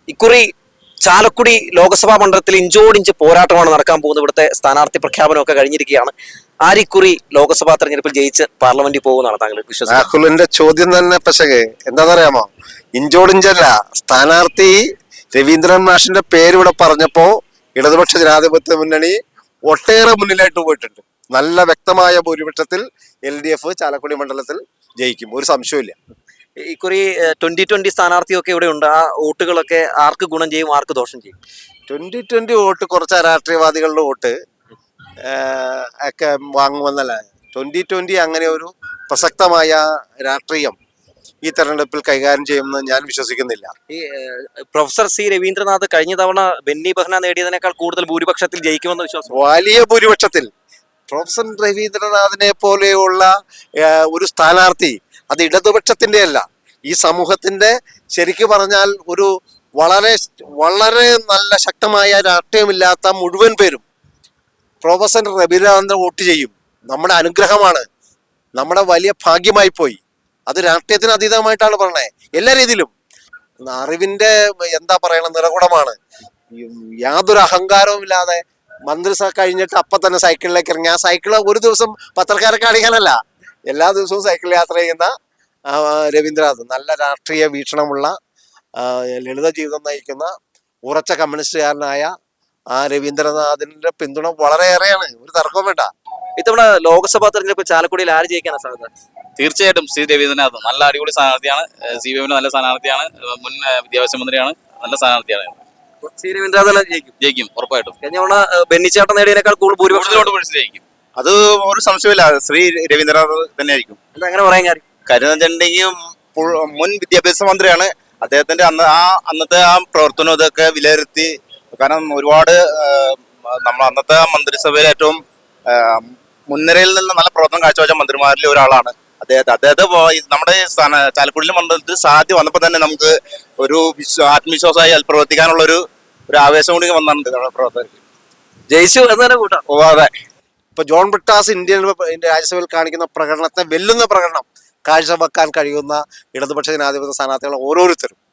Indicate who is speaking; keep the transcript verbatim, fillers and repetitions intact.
Speaker 1: ഇക്കുറി ചാലക്കുടി ലോക്സഭാ മണ്ഡലത്തിൽ ഇഞ്ചോടിഞ്ച് പോരാട്ടമാണ് നടക്കാൻ പോകുന്നത്. ഇവിടുത്തെ സ്ഥാനാർത്ഥി പ്രഖ്യാപനമൊക്കെ കഴിഞ്ഞിരിക്കുകയാണ്. ആരിക്കുറി ലോക്സഭാ തെരഞ്ഞെടുപ്പിൽ ജയിച്ച് പാർലമെന്റിൽ പോകുന്നതാണ് താങ്കൾ വിശ്വസിക്കുന്നത്?
Speaker 2: രാഹുലിന്റെ ചോദ്യം തന്നെ പക്ഷേ എന്താണെന്നറിയാമോ? ഇഞ്ചോടിഞ്ചല്ല, സ്ഥാനാർത്ഥി രവീന്ദ്രൻ മാഷിന്റെ പേര് ഇവിടെ പറഞ്ഞപ്പോ ഇടതുപക്ഷ ജനാധിപത്യ മുന്നണി ഒട്ടേറെ മുന്നിലായിട്ട് പോയിട്ടുണ്ട്. നല്ല വ്യക്തമായ ഭൂരിപക്ഷത്തിൽ എൽ ഡി എഫ് ചാലക്കുടി മണ്ഡലത്തിൽ ജയിക്കും, ഒരു സംശയമില്ല.
Speaker 1: ഇക്കുറി ട്വന്റി ട്വന്റി സ്ഥാനാർത്ഥിയൊക്കെ ഇവിടെ ഉണ്ട്. ആ വോട്ടുകളൊക്കെ ആർക്ക് ഗുണം ചെയ്യും, ആർക്ക് ദോഷം ചെയ്യും?
Speaker 2: ട്വന്റി ട്വന്റി വോട്ട് കുറച്ച് രാഷ്ട്രീയവാദികളുടെ വോട്ട് ഒക്കെ വാങ്ങുമെന്നല്ല. ട്വന്റി ട്വന്റി അങ്ങനെ ഒരു പ്രസക്തമായ രാഷ്ട്രീയം ഈ തെരഞ്ഞെടുപ്പിൽ കൈകാര്യം ചെയ്യുമെന്ന് ഞാൻ വിശ്വസിക്കുന്നില്ല.
Speaker 1: ഈ പ്രൊഫസർ സി രവീന്ദ്രനാഥ് കഴിഞ്ഞ തവണ ബെന്നി ബെഹ്ന നേടിയതിനേക്കാൾ കൂടുതൽ ഭൂരിപക്ഷത്തിൽ ജയിക്കുമെന്ന് വിശ്വാസം?
Speaker 2: വലിയ ഭൂരിപക്ഷത്തിൽ പ്രൊഫസർ രവീന്ദ്രനാഥിനെ പോലെയുള്ള ഒരു സ്ഥാനാർത്ഥി അത് ഇടതുപക്ഷത്തിന്റെ അല്ല, ഈ സമൂഹത്തിന്റെ ശരിക്കു പറഞ്ഞാൽ ഒരു വളരെ വളരെ നല്ല ശക്തമായ രാഷ്ട്രീയമില്ലാത്ത മുഴുവൻ പേരും പ്രൊഫസർ രവീന്ദ്രനാഥിനെ വോട്ട് ചെയ്യും. നമ്മുടെ അനുഗ്രഹമാണ്, നമ്മുടെ വലിയ ഭാഗ്യമായി പോയി. അത് രാഷ്ട്രീയത്തിന് അതീതമായിട്ടാണ് പറഞ്ഞത്. എല്ലാ രീതിയിലും അറിവിന്റെ എന്താ പറയണ നിറകുടമാണ്. യാതൊരു അഹങ്കാരവും ഇല്ലാതെ മന്ത്രിസഭ കഴിഞ്ഞിട്ട് അപ്പൊ തന്നെ സൈക്കിളിലേക്ക് ഇറങ്ങി. ആ സൈക്കിള് ഒരു ദിവസം പത്രക്കാരെ കാണിക്കാനല്ല, എല്ലാ ദിവസവും സൈക്കിൾ യാത്ര ചെയ്യുന്ന രവീന്ദ്രനാഥ് നല്ല രാഷ്ട്രീയ വീക്ഷണമുള്ള ലളിത ജീവിതം നയിക്കുന്ന ഉറച്ച കമ്മ്യൂണിസ്റ്റുകാരനായ ആ രവീന്ദ്രനാഥിന്റെ പിന്തുണ വളരെയേറെയാണ്, ഒരു തർക്കവും വേണ്ട.
Speaker 1: ഇത്തവണ ലോക്സഭാ തെരഞ്ഞെടുപ്പ് ചാലക്കുടിയിൽ ആര് ജയിക്കാനാണ് സാധ്യത?
Speaker 3: തീർച്ചയായിട്ടും സി രവീന്ദ്രനാഥ് നല്ല അടിപൊളി സ്ഥാനാർത്ഥിയാണ്. സി പി എമ്മിന്റെ നല്ല സ്ഥാനാർത്ഥിയാണ്. മുൻ വിദ്യാഭ്യാസ മന്ത്രിയാണ്. നല്ല സ്ഥാനാർത്ഥിയാണ്.
Speaker 1: സി രവീന്ദ്രനാഥ് ജയിക്കും
Speaker 3: ജയിക്കും ഉറപ്പായിട്ടും.
Speaker 1: കഴിഞ്ഞ തവണ ബെന്നിച്ചേട്ടൻ നേടിയതിനേക്കാൾ കൂടുതൽ ഭൂരിപക്ഷം
Speaker 3: ജയിക്കും. അത് ഒരു സംശയമില്ല, ശ്രീ രവീന്ദ്രനാഥ് തന്നെ ആയിരിക്കും.
Speaker 1: എന്താ അങ്ങനെ പറയാൻ കാര്യം?
Speaker 3: കാര്യം വെച്ചിട്ടുണ്ടെങ്കിൽ മുൻ വിദ്യാഭ്യാസ മന്ത്രിയാണ്. അദ്ദേഹത്തിന്റെ അന്ന് ആ അന്നത്തെ ആ പ്രവർത്തനം ഇതൊക്കെ വിലയിരുത്തി, കാരണം ഒരുപാട് നമ്മൾ അന്നത്തെ മന്ത്രിസഭയിൽ ഏറ്റവും മുൻനിരയിൽ നിന്ന് നല്ല പ്രവർത്തനം കാഴ്ചവെച്ച മന്ത്രിമാരിൽ ഒരാളാണ് അദ്ദേഹത്തെ. അദ്ദേഹത്തെ നമ്മുടെ ചാലക്കുടിയിലെ മണ്ഡലത്തിൽ സാധ്യത വന്നപ്പോൾ തന്നെ നമുക്ക് ഒരു ആത്മവിശ്വാസമായി പ്രവർത്തിക്കാനുള്ള ഒരു ഒരു ആവേശം കൂടി വന്നിട്ടുണ്ട് പ്രവർത്തകർക്ക്.
Speaker 1: ജയിച്ചു എന്ന് തന്നെ കൂട്ടാം.
Speaker 2: ഓ അതെ, ഇപ്പൊ ജോൺ ബ്രിട്ടാസ് ഇന്ത്യൻ രാജ്യസഭയിൽ കാണിക്കുന്ന പ്രകടനത്തെ വെല്ലുന്ന പ്രകടനം കാഴ്ചവെക്കാൻ കഴിയുന്ന ഇടതുപക്ഷ ജനാധിപത്യ സ്ഥാനാർത്ഥികൾ ഓരോരുത്തരും